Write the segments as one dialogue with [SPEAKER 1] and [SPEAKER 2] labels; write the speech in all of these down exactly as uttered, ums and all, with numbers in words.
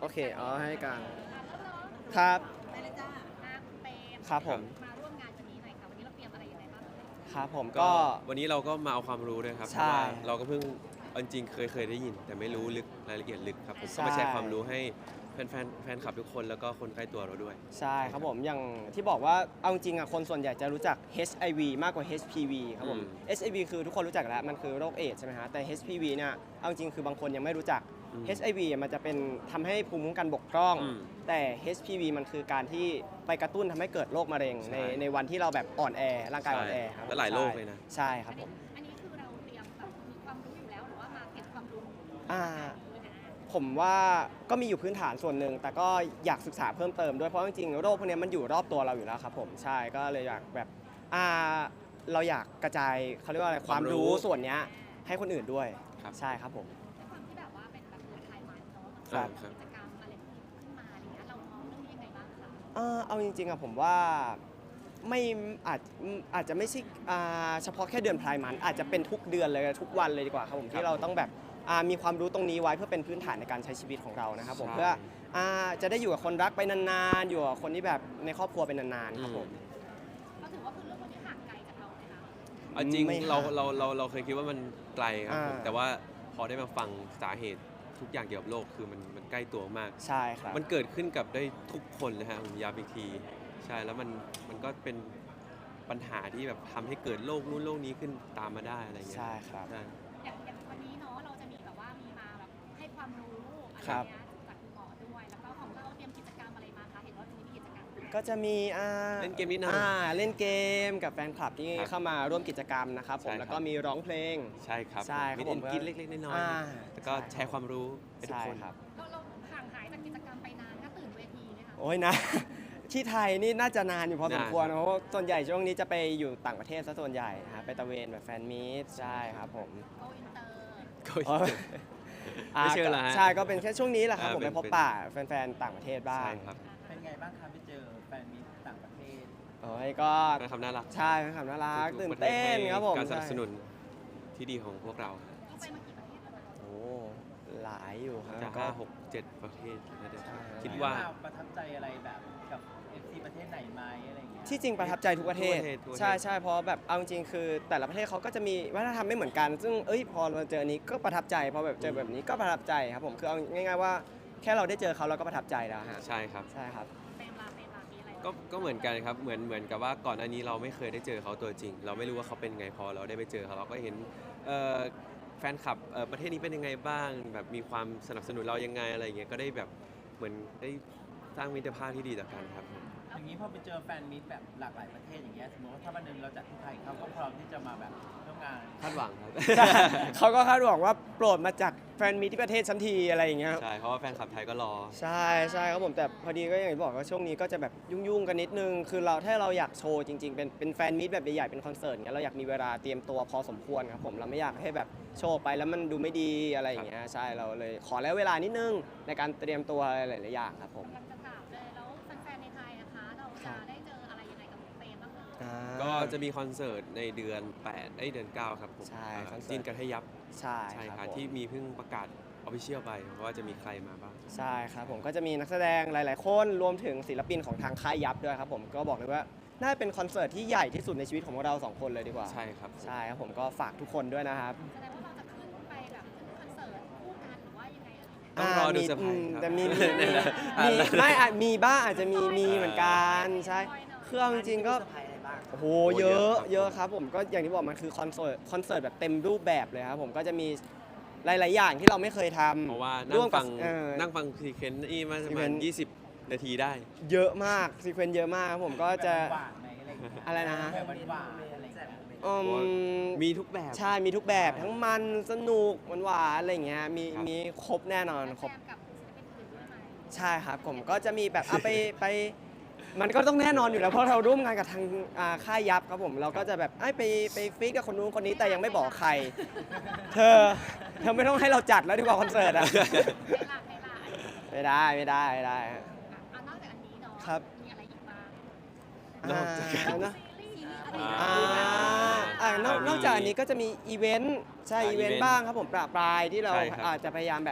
[SPEAKER 1] โอเคอ๋อให้กลางครับ
[SPEAKER 2] ไปเลยจ้าอาเปม
[SPEAKER 1] ครับผม
[SPEAKER 2] มาร่วมงานวันนี้หน่อยค่ะวันนี้เราเตรียมอะไรยังไงบ้างเอ่ย
[SPEAKER 1] ครับผม
[SPEAKER 3] ก็
[SPEAKER 1] ก็
[SPEAKER 3] วันนี้เราก็มาเอาความรู้ด้วยครับเพ
[SPEAKER 1] ใช่
[SPEAKER 3] ราะว่าเราก็เพิ่งเอาจริงๆเคยเคยได้ยิน แต่ไม่รู้ลึกรายละเอียดลึกครับผม
[SPEAKER 1] ใช่
[SPEAKER 3] ก็มาแชร์ความรู้ให้แฟนแฟนแฟนคลับทุกคนแล้วก็คนใกล้ตัวเราด้วย
[SPEAKER 1] ใช่ครับผมอย่างที่บอกว่าเอาจริงอ่ะคนส่วนใหญ่จะรู้จัก เอช ไอ วี มากกว่า เอช พี วี ครับผม
[SPEAKER 3] อืม
[SPEAKER 1] เอช ไอ วี คือทุกคนรู้จักแล้วมันคือโรคเอดส์ใช่ไหมฮะแต่ เอช พี วี เนี่ยเอาจริงคือบางคนยังไม่รู้จัก
[SPEAKER 3] อืม
[SPEAKER 1] เอช ไอ วี มันจะเป็นทำให้ภูมิคุ้มกันบกพร่อง
[SPEAKER 3] อืม
[SPEAKER 1] แต่ เอช พี วี มันคือการที่ไปกระตุ้นทำให้เกิดโรคมะเร็ง
[SPEAKER 3] ใช่
[SPEAKER 1] ในในวันที่เราแบบอ่อนแอร่างกายอ่อนแอครับ
[SPEAKER 3] และหลายโรคเลยนะ
[SPEAKER 1] ใช่ครับผม
[SPEAKER 2] อันนี้คือเราเตรียมแบบมีความรู้อยู่แล้วหรือว่ามาเก็บความรู้
[SPEAKER 1] อ่า
[SPEAKER 2] ด้วยนะ
[SPEAKER 1] ผมว่าก็มีอยู่พื้นฐานส่วนหนึ่งแต่ก็อยากศึกษาเพิ่มเติมด้วยเพราะจริงๆโรคพวกนี้มันอยู่รอบตัวเราอยู่แล้วครับผมใช่ก็เลยอยากแบบอ่าเราอยากกระจายเขาเรียกว่าอะไรความรู้ส่วนเนี้ยให้คนอื่นด้วย
[SPEAKER 3] ครับ
[SPEAKER 1] ใช่ครับผม
[SPEAKER 2] ด้วยความที่แบบว่าเป็นแบบเปิดไทยมันเนาะมัน
[SPEAKER 1] ครั
[SPEAKER 2] ก็
[SPEAKER 1] บ
[SPEAKER 2] มีกิจกรรมอะไรที่ขึ้นมาอะไรเงี้ยเรามองเรื่องนี้ยังไงบ้างคะ
[SPEAKER 1] เอ่อเอาจริงๆอะผมว่าไม่อาจอาจจะไม่ใช่อ่าเฉพาะแค่เดือนพลายมันอาจจะเป็นทุกเดือนเลยทุกวันเลยดีกว่าครับผมที่เราต้องแบบอ่ามีความรู้ตรงนี้ไว้เพื่อเป็นพื้นฐานในการใช้ชีวิตของเรานะครับผม
[SPEAKER 3] ใช่
[SPEAKER 1] เพื่ออ่าจะได้อยู่กับคนรักไปนานๆอยู่กับคนที่แบบในครอบครัวไปนานๆครับผม
[SPEAKER 2] ก็ถือว่าคือเรื่องพวกนี้ห่างไกลจากเราไหมคะ
[SPEAKER 3] เอาจริง
[SPEAKER 1] ไม่
[SPEAKER 3] เรา
[SPEAKER 1] ห่าง
[SPEAKER 3] เราเราเราเคยคิดว่ามันไกลครับผม
[SPEAKER 1] อ่า
[SPEAKER 3] แต่ว่าพอได้มาฟังสาเหตุทุกอย่างเกี่ยวกับโลกคือมันมันใกล้ตัวมาก
[SPEAKER 1] ใช่ครับ
[SPEAKER 3] มันเกิดขึ้นกับได้ทุกคนนะฮะผมย้ำอีกทีใช่แล้วมันมันก็เป็นปัญหาที่แบบทำให้เกิดโรคนู้นโรคนี้ขึ้นตามมาได้อะไรเงี้ย
[SPEAKER 1] ใช่ครับ
[SPEAKER 3] ใช่
[SPEAKER 2] อย่างอย่างวันนี้เนาะเราจะมีแบบว่ามีมาแบบให้ความรู้อะไร
[SPEAKER 1] ครับ
[SPEAKER 2] เงี้ยจากคุณหมอด้วยแล้วก็ของเราเตรียมกิจกรรมอะไรมาคะเห็นว่าวันนี้มีกิจกรรมด้วย
[SPEAKER 1] ก็จะมีอ่า
[SPEAKER 3] เล่นเกมนิดหน่อย
[SPEAKER 1] อ่าเล่นเกมกับแฟนคลับที่
[SPEAKER 3] ครับ
[SPEAKER 1] เข้ามาร่วมกิจกรรมนะครับผม
[SPEAKER 3] ใช่ครับ
[SPEAKER 1] แล้วก็มีร้องเพลง
[SPEAKER 3] ใช่ครับ
[SPEAKER 1] ใช่ครับ
[SPEAKER 3] มี
[SPEAKER 1] ผม
[SPEAKER 3] กินเล็กๆน้อย
[SPEAKER 1] อ่า
[SPEAKER 3] ๆแล้วก็แชร์ความรู้ให้ทุก
[SPEAKER 1] ใช่
[SPEAKER 3] คน
[SPEAKER 1] ครับ
[SPEAKER 2] เราเราห่างหายจากกิจกรรมไปนานก็ตื่นเวทีไหมคะ
[SPEAKER 1] โอ้ยนะ ที่ไทยนี่น่าจะนานอยู่พอสมควร
[SPEAKER 3] นาน
[SPEAKER 1] เพราะว่าส่วนใหญ่ช่วงนี้จะไปอยู่ต่างประเทศซะส่วนใหญ่ฮะไปตะเวนแบบแฟนมีตใช่ครับผม
[SPEAKER 2] โกอินเตอร์
[SPEAKER 3] ก็
[SPEAKER 1] อ๋อ
[SPEAKER 3] ไม่เชื่อละฮะ
[SPEAKER 1] ใช่ก็เป็นแค่ช่วงนี้แหละครับ
[SPEAKER 3] อ่า
[SPEAKER 1] ผม
[SPEAKER 3] เป็
[SPEAKER 1] ไป
[SPEAKER 3] น
[SPEAKER 1] พบปะแฟนๆต่างประเทศบ้าง
[SPEAKER 3] ใช่ครับ
[SPEAKER 4] เป็นไงบ้างครับไปเจอแฟนมิตรต่างประเทศ
[SPEAKER 1] โอ้ยก็
[SPEAKER 3] เป็นคำน่ารัก
[SPEAKER 1] ใช่เป็นคำน่ารัก
[SPEAKER 3] ทุ
[SPEAKER 1] ตื่
[SPEAKER 3] ก
[SPEAKER 1] น
[SPEAKER 3] ๆประทศ
[SPEAKER 1] เต้น
[SPEAKER 3] ให้
[SPEAKER 1] ครับผม
[SPEAKER 3] การสนับ
[SPEAKER 1] ใช่
[SPEAKER 3] สนุนที่ดีของพวกเรา
[SPEAKER 2] เราไปมากี่ประเทศแล้วนะ
[SPEAKER 1] โอ้หลายอยู่ครับ
[SPEAKER 3] จะ
[SPEAKER 1] ก็
[SPEAKER 3] ห้าหกเจ็ดประเทศนะเดี๋ยว
[SPEAKER 1] ใช่
[SPEAKER 3] คิดว่า
[SPEAKER 4] ประทับใจอะไรแบบกับ เอฟ ซี ประเทศไหนไหมอะไรอย่างเงี้ย
[SPEAKER 1] ที่จริงประทับใจทุกประเทศ
[SPEAKER 3] ทุกประเทศทุกประเทศ
[SPEAKER 1] ใช่ใช่เพราะแบบเอาจริงๆคือแต่ละประเทศเขาก็จะมีวัฒนธรรมไม่เหมือนกัน ซึ่งเอ้ยพอเราเจออันนี้ก็ประทับใจพอแบบเจอแบบนี้ก็ประทับใจครับผมคือเอาง่ายๆว่าแค่เราได้เจอเขาเราก็ประทับใจแล้วฮะ
[SPEAKER 3] ใช่ครับ
[SPEAKER 1] ใช่ครับ
[SPEAKER 2] เปรมลาเปรมลามีอะไร
[SPEAKER 3] ก็ก็เหมือนกันครับเหมือนเหมือนกับว่าก่อนหน้านี้เราไม่เคยได้เจอเขาตัวจริง เราไม่รู้ว่าเขาเป็นไงพอเราได้ไปเจอเขาเราก็เห็นเอ่อแฟนคลับเอ่อประเทศนี้เป็นยังไงบ้าง แบบมีความสนับสนุนเรายังไงอะไรอย่างเงี้ยก็ได้แบบเหมือนได้สร้างมิตรภาพที่ดีต่อกันครับผม
[SPEAKER 4] อย่างนี้พอไปเจอแฟนมิตรแบบหลากหลายประเทศอย่างเงี้ยสมมติว่าถ้าวันหนึงเราจัดที่ไทยเขาก็พร้อมที่จะมาแบบร่วมงาน
[SPEAKER 3] คาดหวังครับ
[SPEAKER 1] ใช่เขาก็คาดหวังว่าโปรดมาจากแฟนมีที่ประเทศชั้นทีอะไรอย่างเงี้ยครับ
[SPEAKER 3] ใช่เพราะว่าแฟนคลับไทยก็รอ
[SPEAKER 1] ใช่ใช่ครับผมแต่พอดีก็อย่างที่บอกว่าช่วงนี้ก็จะแบบยุ่งๆกันนิดนึง คือเราถ้าเราอยากโชว์จริงๆ เป็นเป็นแฟนมีตแบบใหญ่ๆเป็นคอนเสิร์ตเงี้ยเราอยากมีเวลาเตรียมตัวพอสมควรครับผมเราไม่อยากให้แบบโชว์ไปแล้วมันดูไม่ดีอะไรอย่างเงี้ยใช่เราเลยขอแล้วเวลานิดนึงในการเตรียมตัวหลายๆอย่างครับผม
[SPEAKER 2] กำลังจะถามเลยแล้วแฟนๆในไทยนะคะ เราจะได้เจออะไรยังไงกับเปรมบ้างเอ่ย
[SPEAKER 1] อ่า
[SPEAKER 3] ก็จะมีคอนเสิร์ตในเดือนแปดเอ้ยเดือนเก้าครับผม
[SPEAKER 1] ใช่
[SPEAKER 3] อ่า
[SPEAKER 1] คอนเสิร์ต
[SPEAKER 3] จีนกันให้ยับ
[SPEAKER 1] ใช่
[SPEAKER 3] ใช่
[SPEAKER 1] ค
[SPEAKER 3] ค
[SPEAKER 1] รั
[SPEAKER 3] รั
[SPEAKER 1] บบ ผม
[SPEAKER 3] ที่มีเพิ่งประกาศออฟฟิเชียลไปว่าจะมีใครมาบ้าง
[SPEAKER 1] ใช่ครับผมก็จะมีนักแสดงหลาย ๆ คนรวมถึงศิลปินของทางค่ายยับด้วยครับผมก็บอกเลยว่าน่าเป็นคอนเสิร์ตที่ใหญ่ที่สุดในชีวิตของพวกเราสองคนเลยดีกว่า
[SPEAKER 3] ใช่ครับ
[SPEAKER 1] ใช่ครับผมก็ฝากทุกคนด้วยนะครับ
[SPEAKER 2] แสดงว่าเราจะขึ้นไปแบบขึ้นคอนเสิร์ตคู่กันหรือว่ายังไงเอ่ย
[SPEAKER 3] ต้องรอดู
[SPEAKER 1] มี
[SPEAKER 3] เซอร์ไพรส์
[SPEAKER 1] ม
[SPEAKER 3] ครับ
[SPEAKER 1] แต่มีมีมี
[SPEAKER 3] อ่ะ
[SPEAKER 1] มีไม่อาจมีบ้างอาจจะมีมีเหมือนกันใช่
[SPEAKER 2] น้อยหน่อย
[SPEAKER 1] เครื่องจริงๆก็โอ้โหเยอะเยอะครับผมก็อย่างที่บอกมันคือคอนเสิร์ตคอนเสิร์ตแบบเต็มรูปแบบเลยครับผมก็จะมีหลาย ๆ อย่างที่เราไม่เคยทำ
[SPEAKER 3] เพราะว่า
[SPEAKER 1] ร่
[SPEAKER 3] นั่
[SPEAKER 1] ว
[SPEAKER 3] ง
[SPEAKER 1] มกั
[SPEAKER 3] ฟั
[SPEAKER 1] บ
[SPEAKER 3] ง
[SPEAKER 1] เอ่อ
[SPEAKER 3] นั่งฟังซีเควนต์นี่มาประมาณ
[SPEAKER 1] sequence
[SPEAKER 3] ยี่สิบ นาทีได้
[SPEAKER 1] เยอะมากซีเควนต์เยอะมากครับผมก็จะ
[SPEAKER 4] แบบหวานไหมอะไรอย่างเงี้ย
[SPEAKER 1] อะไรนะฮะ
[SPEAKER 4] แบบหวานๆอะไรอย่างเงี้ย
[SPEAKER 1] อืม
[SPEAKER 3] มีทุกแบบ
[SPEAKER 1] ใช่มีทุกแบบทั้งมันสนุกหวานๆอะไรอย่างเงี้ยมี
[SPEAKER 3] ครับ
[SPEAKER 1] มีครบแน่นอนครบ
[SPEAKER 2] แซมกับศิลปินอื่นด้วยไหม
[SPEAKER 1] ใช่ครับผมก็จะมีแบบอ่ะไปไปมันก็ต้องแน่นอนอยู่แล้วเพราะเราร่วมงานกับทางอ่าค่ายยับครับผมเราก็จะแบบเอ้ยไปไปฟิกกับคนนู้นคนนี้แต่ยังไม่บอกใคร เธอเธอไม่ต้องให้เราจัดแล้วดีกว่าคอนเสิร์ตอะ
[SPEAKER 2] เวลาเวลาอันนี้
[SPEAKER 1] ไม่ได้ไม่ได้ไม่ได้ฮะ
[SPEAKER 2] อ่ะอ่ะนอกจากอันนี้เนาะ
[SPEAKER 1] ครับ
[SPEAKER 2] มีอะไรอีกบ้าง
[SPEAKER 3] นอกจาก
[SPEAKER 1] อ่าเนอะ
[SPEAKER 2] ซีรีส์อะไร
[SPEAKER 1] อ่า
[SPEAKER 2] อย่างเงี้ย
[SPEAKER 1] อ่านอก
[SPEAKER 3] มี
[SPEAKER 1] นอกจากอันนี้ก็จะมีอีเวนต์ใช่
[SPEAKER 3] อ่า
[SPEAKER 1] อีเวน
[SPEAKER 3] อีเวนต์
[SPEAKER 1] ต์บ้างครับผมประปรายที่เรา
[SPEAKER 3] ใช่ครับ
[SPEAKER 1] อาจจะพยายามแบบ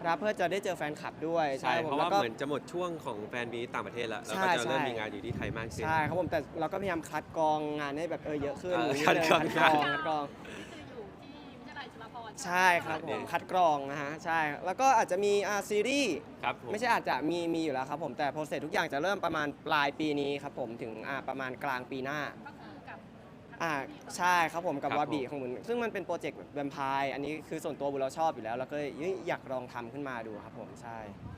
[SPEAKER 1] รับเพื่อจะได้เจอแฟนคลับด้วย
[SPEAKER 3] ใช่
[SPEAKER 1] คบ
[SPEAKER 3] เพ
[SPEAKER 1] ผม
[SPEAKER 3] ราะ
[SPEAKER 1] แล้ว
[SPEAKER 3] ว่า
[SPEAKER 1] ก็
[SPEAKER 3] เหมือนจะหมดช่วงของแฟนมีตต่างประเทศแล้วแล้ว
[SPEAKER 1] ใช่
[SPEAKER 3] ก็จะเริ่ม
[SPEAKER 1] ใช่
[SPEAKER 3] มีงานอยู่ที่ไทยมากขึ้น
[SPEAKER 1] ใช่ครับผมแต่เราก็พยายามคัดกรองงานให้แบบเออเยอะขึ้น
[SPEAKER 3] เออ
[SPEAKER 1] นิด
[SPEAKER 3] คัด
[SPEAKER 1] นึง
[SPEAKER 3] กรอง
[SPEAKER 1] คัดกรองคัดกรอง
[SPEAKER 2] นี่คืออยู่ที่วิทยาลัยจุฬาภรณ์
[SPEAKER 1] ใช่ครับผมคัดกรองนะฮะใช่แล้วก็อาจจะมีอ่าซีรีส์
[SPEAKER 3] ครับผม
[SPEAKER 1] ไม่ใช่อาจจะมีมีอยู่แล้วครับผมแต่โปรเซสทุกอย่างจะเริ่มประมาณปลายปีนี้ครับผมถึงอ่าประมาณกลางปีหน้า
[SPEAKER 2] ก็คือกับ
[SPEAKER 1] อ่าใช่ครับผมกับ
[SPEAKER 3] ครับ
[SPEAKER 1] วาบี
[SPEAKER 3] ผม
[SPEAKER 1] ของบุญซึ่งมันเป็นโปรเจกต์แบบแวมไพร์อันนี้คือส่วนตัวบุญเราชอบอยู่แล้วเราก็เลยเอ้ยอยากลองทำขึ้นมาดูครับผมใช่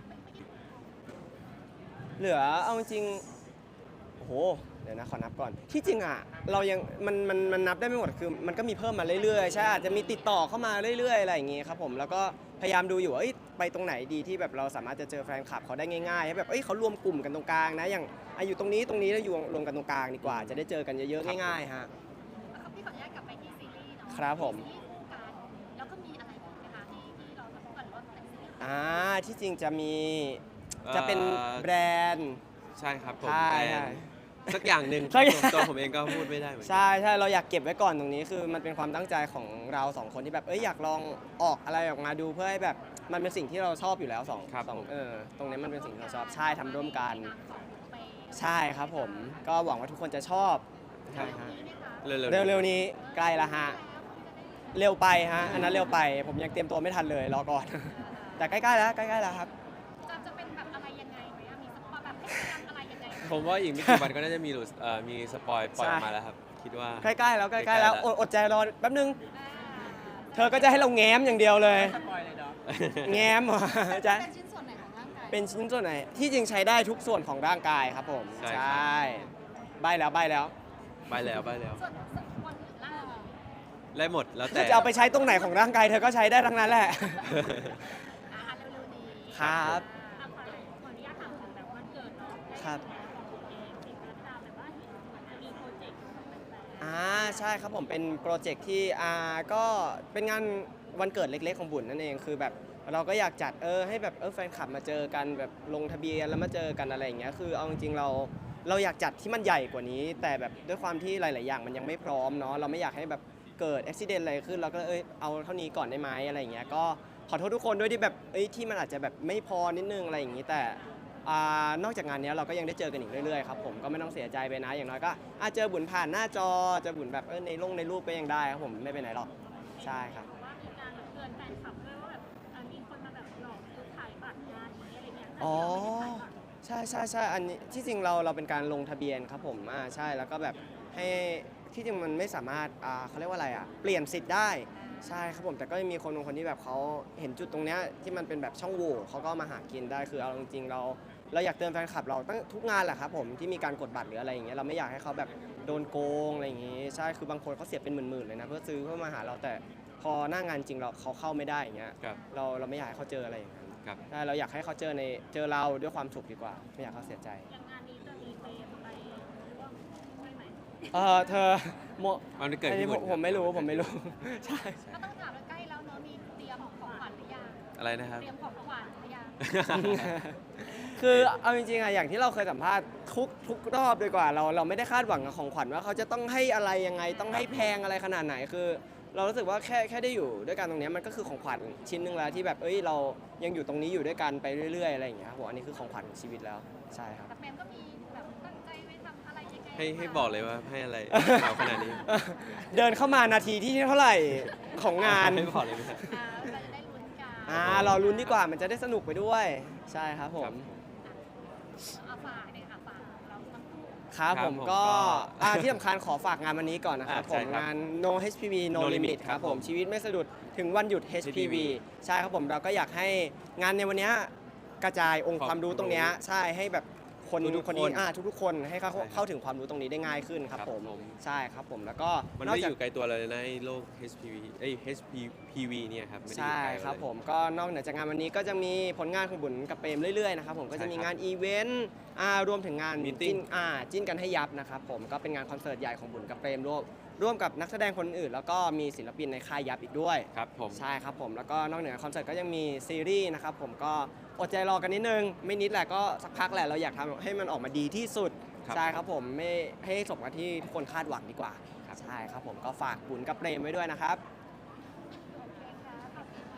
[SPEAKER 1] เหลือเอาจริงๆโอ้โหเดี๋ยวนะขอนับก่อน ที่จริงอ่ะเรายังมันมันมันนับได้ไม่หมดคือมันก็มีเพิ่มมาเรื่อยๆใช่อาจจะมีติดต่อเข้ามาเรื่อยๆอะไรอย่างงี้ครับผมแล้วก็พยายามดูอยู่ว่าเอ้ยไปตรงไหนดีที่แบบเราสามารถจะเจอแฟนคลับเขาได้ง่ายๆให้แบบเอ้ยเขารวมกลุ่มกันตรงกลางนะอย่างอาอยู่ตรงนี้ตรงนี้แล้วอยู่รวมกันตรงกลางดีกว่า จะได้เจอกันเยอะๆง่ายๆฮะ
[SPEAKER 2] แล้วก็พี่ขออนุญาตกลับไปที่ซีรีส์เนาะ
[SPEAKER 1] ครับผม
[SPEAKER 2] ซีรีส์คู่กันแล้วก็มีอะไรอีกนะคะที่ที่เราจะพูดกันว่าเป็นซีรีส์
[SPEAKER 1] อ่าที่จริงจะมีจะเป็น
[SPEAKER 3] เอ่อ
[SPEAKER 1] แบรนด์
[SPEAKER 3] ใช่ครับผม
[SPEAKER 1] ใช่
[SPEAKER 3] แบร
[SPEAKER 1] ใช่
[SPEAKER 3] นด์สักอย่างหนึ่ง
[SPEAKER 1] สักอย่าง
[SPEAKER 3] ตัวผมเองก็พูดไม่ได้เหมือนกัน
[SPEAKER 1] ใช่ใช่เราอยากเก็บไว้ก่อนตรงนี้คือมันเป็นความตั้งใจของเราสองคนที่แบบเอ้ยอยากลองออกอะไรออกมาดูเพื่อให้แบบมันเป็นสิ่งที่เราชอบอยู่แล้วสอง
[SPEAKER 3] ครับ
[SPEAKER 1] สอง
[SPEAKER 3] ผม
[SPEAKER 1] เออตรงนี้มันเป็นสิ่งที่เราชอบใช่ทำร่วมกัน
[SPEAKER 2] ในามของไป
[SPEAKER 1] ใช่ครับผมก็หวังว่าทุกคนจะชอบใช่ฮะ
[SPEAKER 3] เร็วๆ
[SPEAKER 1] เร็วๆนี้ใกล้ละฮะเร็วไปฮะอันนั้นเร็วไปผมยังเตรียมตัวไม่ทันเลยรอก่อน แต่ใกล้ๆแล้วใกล้ๆแล้วครับ
[SPEAKER 2] จะจะเป็นแบบอะไรยังไงไหมอะมีสปอยแบบให้เตรียมอะไรยังไงไหม
[SPEAKER 3] ผมว่าอีกไม่กี่วันก็น่าจะมีหลุดเอ่อมีสปอยปล่อยออกมา
[SPEAKER 1] ใช่
[SPEAKER 3] แล้วครับ คิดว่า
[SPEAKER 1] ใกล้ๆแล้วใก
[SPEAKER 3] ใกล้
[SPEAKER 1] ล้ๆ
[SPEAKER 3] ๆ
[SPEAKER 1] แล้ว
[SPEAKER 3] แล้ว
[SPEAKER 1] อดอดใจรอแป๊บนึง
[SPEAKER 2] อ่า
[SPEAKER 1] เธอก็จะให้เราแง้มอย่างเดียวเลย
[SPEAKER 4] สปอยเลยเนาะ
[SPEAKER 1] แง้มเหรอจะ
[SPEAKER 2] เป็นชิ้นส่วนไหนของร่างกาย
[SPEAKER 1] เป็นชิ้นส่วนไหนที่จริงใช้ได้ทุกส่วนของร่างกายครับผม
[SPEAKER 3] ใช่ครับ
[SPEAKER 1] ใบแล้วใบแล้ว
[SPEAKER 3] ไปแล้วไปแล้ว
[SPEAKER 2] ส่วนส่วนคนอื่นล่ะ
[SPEAKER 3] ได้หมดแล้ว
[SPEAKER 1] เธ
[SPEAKER 3] แต่
[SPEAKER 1] อจะเอาไปใช้ตรงไหนของร่างกายเธอก็ใช้ได้ทั้งนั้นแหละ
[SPEAKER 2] อ่าเร็วๆนี้
[SPEAKER 1] ครับ
[SPEAKER 2] อ่าขอขออนุญาตถามถึงแบบวันเกิดเนาะ
[SPEAKER 1] ครับ
[SPEAKER 2] ของผมเองเอกรัตดาแบบว่าเห็นเหมือนจะมีโปรเจกต์ของแฟนๆ
[SPEAKER 1] อ่าใช่ครับผมเป็นโปรเจกต์ที่อ่าก็เป็นงานวันเกิดเล็กๆของบุญนั่นเองคือแบบเราก็อยากจัดเออให้แบบเออแฟนคลับมาเจอกันแบบลงทะเบียนแล้วมาเจอกันอะไรอย่างเงี้ยคือเอาจริงๆเราเราอยากจัดที่มันใหญ่กว่านี้ แต่แบบด้วยความที่หลาย ๆ อย่างมันยังไม่พร้อมเนาะเราไม่อยากให้แบบเกิดอุบิเหตุอะไรขึ้นเราก็เอยเอาเท่านี้ก่อนได้ไหมอะไรอย่างเงี้ยก็ขอโทษทุกคนด้วยที่แบบเอ้ยที่มันอาจจะแบบไม่พอนิดนึงอะไรอย่างงี้แต่ อ่านอกจากงานเนี้ยเราก็ยังได้เจอกันอีกเรื่อยๆครับผมก็ไม่ต้องเสียใจไปนะอย่างน้อยก็อาจเจอบุญผ่านหน้าจอเจอบุญแบบเออในลงในรูปก็ยังได้ครับผมไม่ไปไหนหรอกใช่ครับ
[SPEAKER 2] ว่ามีการแบบเตือนแฟนคลับด้วยว่าแบบเอ่อมีคนมาแบบหลอกซื้อขายบัตรงานนี้อะไรเงี้ย
[SPEAKER 1] อ๋อใช่ใช่ใช่อันนี้ที่จริงเราเราเป็นการลงทะเบียนครับผมอ่าใช่แล้วก็แบบให้ที่จริงมันไม่สามารถอ่าเขาเรียกว่าอะไรอ่ะเปลี่ยนสิทธิ์ได้ใช่ครับผมแต่ก็จะมีคนบางคนที่แบบเขาเห็นจุดตรงเนี้ยที่มันเป็นแบบช่องโหว่เขาก็มาหากินได้คือเอาจริงๆเราเราอยากเตือนแฟนคลับเราตั้งทุกงานแหละครับผมที่มีการกดบัตรหรืออะไรอย่างเงี้ยเราไม่อยากให้เขาแบบโดนโกงอะไรอย่างงี้ใช่คือบางคนเขาเสียเป็นหมื่นๆเลยนะเพื่อซื้อเพื่อมาหาเราแต่พอหน้างานจริงเราเขาเข้าไม่ได้อย่างเงี้ย
[SPEAKER 3] ครับ
[SPEAKER 1] เราเราไม่อยากให้เขาเจออะไรอย่างนั้น
[SPEAKER 3] ครับ
[SPEAKER 1] ใช่เราอยากให้เขาเจอในเจอเราด้วยความสุขดีกว่า ไม่อยากให้เขาเสียใจ
[SPEAKER 2] อย่างงานนี้จะมีเฟรมไปร่วมด้วยไหม
[SPEAKER 1] เออเธอโม
[SPEAKER 3] มันเกิด
[SPEAKER 1] อันนี้
[SPEAKER 3] ที่
[SPEAKER 1] ผ
[SPEAKER 3] บุ
[SPEAKER 1] ม
[SPEAKER 3] ญ
[SPEAKER 1] ผมไม่รู้ผมไม่รู้ ใช่
[SPEAKER 2] ก็ต้องถามว่าใกล้แล้วเนอะมีเตรียมของของขวัญหรือยัง
[SPEAKER 3] อะไรนะครับ
[SPEAKER 2] เตรียมของขวัญหรือยัง
[SPEAKER 1] คือเอาจริงๆอะอย่างที่เราเคยสัมภาษณ์ทุกทุกรอบดีกว่าเราเราไม่ได้คาดหวังกับของขวัญว่าเขาจะต้องให้อะไรยังไงต้องให้แพงอะไรขนาดไหนคือ เรารู้สึกว่าแค่แค่ได้อยู่ด้วยกันตรงเนี้ยมันก็คือของขวัญชิ้นหนึ่งแล้วที่แบบเอ้ยเรายังอยู่ตรงนี้อยู่ด้วยกันไปเรื่อยๆอะไรอย่างเงี้ยครับผมอันนี้คือของขวัญของชีวิตแล้วใช่ครับ
[SPEAKER 2] แต่เฟรมก็มีแบบตั้งใจไว้ทำอะไรยังไง
[SPEAKER 3] ให้ให้บอกเลยว่าให้อะไรข่าวขนาดนี้
[SPEAKER 1] เดินเข้ามานาทีที่เท่าไหร่ของงาน
[SPEAKER 3] ให้บอกเลยไหมครับ
[SPEAKER 2] อ่าเราจะได้ลุ้นกัน
[SPEAKER 1] อ่าเราลุ้นดีกว่ามันจะได้สนุกไปด้วย ใช่ครับผม
[SPEAKER 2] เอาฝากเนี่ยค่ะฝากเราทั้งคู่
[SPEAKER 1] ครับ
[SPEAKER 3] ครับ
[SPEAKER 1] ผม
[SPEAKER 3] ผม
[SPEAKER 1] ก็
[SPEAKER 3] ก็
[SPEAKER 1] อ่าที่สำคัญขอฝากงานวันนี้ก่อนนะครับ
[SPEAKER 3] อ่า
[SPEAKER 1] ผ
[SPEAKER 3] ใช่
[SPEAKER 1] ม
[SPEAKER 3] ครับ
[SPEAKER 1] งาน No เอช พี วี No
[SPEAKER 3] No
[SPEAKER 1] Limit
[SPEAKER 3] Limit
[SPEAKER 1] ครับผม
[SPEAKER 3] ครับผม
[SPEAKER 1] ชีวิตไม่สะดุดถึงวันหยุด เอช พี วี ใช่ครับผมเราก็อยากให้งานในวันเนี้ยกระจายองค์ความรู้ตรงเนี้ยใช่ให้แบบคน
[SPEAKER 3] ทุกๆ
[SPEAKER 1] คนนี้
[SPEAKER 3] คน
[SPEAKER 1] อ่าทุกๆคนให้เขา
[SPEAKER 3] ใช่ครับ
[SPEAKER 1] เข้าถึงความรู้ตรงนี้ได้ง่ายขึ้นครับ
[SPEAKER 3] ครับ
[SPEAKER 1] ผม
[SPEAKER 3] ผม
[SPEAKER 1] ใช่ครับผมแล้วก็
[SPEAKER 3] มัน
[SPEAKER 1] นอก
[SPEAKER 3] ไม่ได้
[SPEAKER 1] จาก
[SPEAKER 3] อยู่ไกลตัวเราเลยนะไอ้โลก เอช พี วี เอ้ย เอช พี วี เนี่ยครับไม่ได้อ
[SPEAKER 1] ใช่
[SPEAKER 3] ยู่ไกลเรา
[SPEAKER 1] ครับ
[SPEAKER 3] เลย
[SPEAKER 1] ผมก็นอกเหนือจากงานวันนี้ก็จะมีผลงานของบุญกับเปรมเรื่อยๆนะครับผมก็จะมี
[SPEAKER 3] ใช่ครับ
[SPEAKER 1] งานอีเวนต์อ่ารวมถึงงาน
[SPEAKER 3] Meeting
[SPEAKER 1] จิ้นอ่าจิ้นกันให้ยับนะครับผมก็เป็นงานคอนเสิร์ตใหญ่ของบุญกับเปรมร่วมร่วมกับนักแสดงคนอื่น แล้วก็มีศิลปินในค่ายยับอีกด้วย
[SPEAKER 3] ครับผม
[SPEAKER 1] ใช่ครับผมแล้วก็นอกเหนือคอนเสิร์ตก็ยังมีซีรีส์นะครับผมก็อดใจรอกันนิดนึง ไม่นิดแหละก็สักพักแหละเราอยากทำให้มันออกมาดีที่สุด
[SPEAKER 3] ครับ
[SPEAKER 1] ใช่ครับผมไม่ให้สมกับที่ทุกคนคาดหวังดีกว่าใช่ครับผมก็ฝากบุญกับเปรมไว้ด้วยนะครับ
[SPEAKER 2] โอเคค่ะขอบคุณค่ะ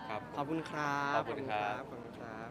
[SPEAKER 3] ครับ
[SPEAKER 1] ขอบคุณครับ
[SPEAKER 3] ขอบคุณครับ
[SPEAKER 1] ขอบคุณครับ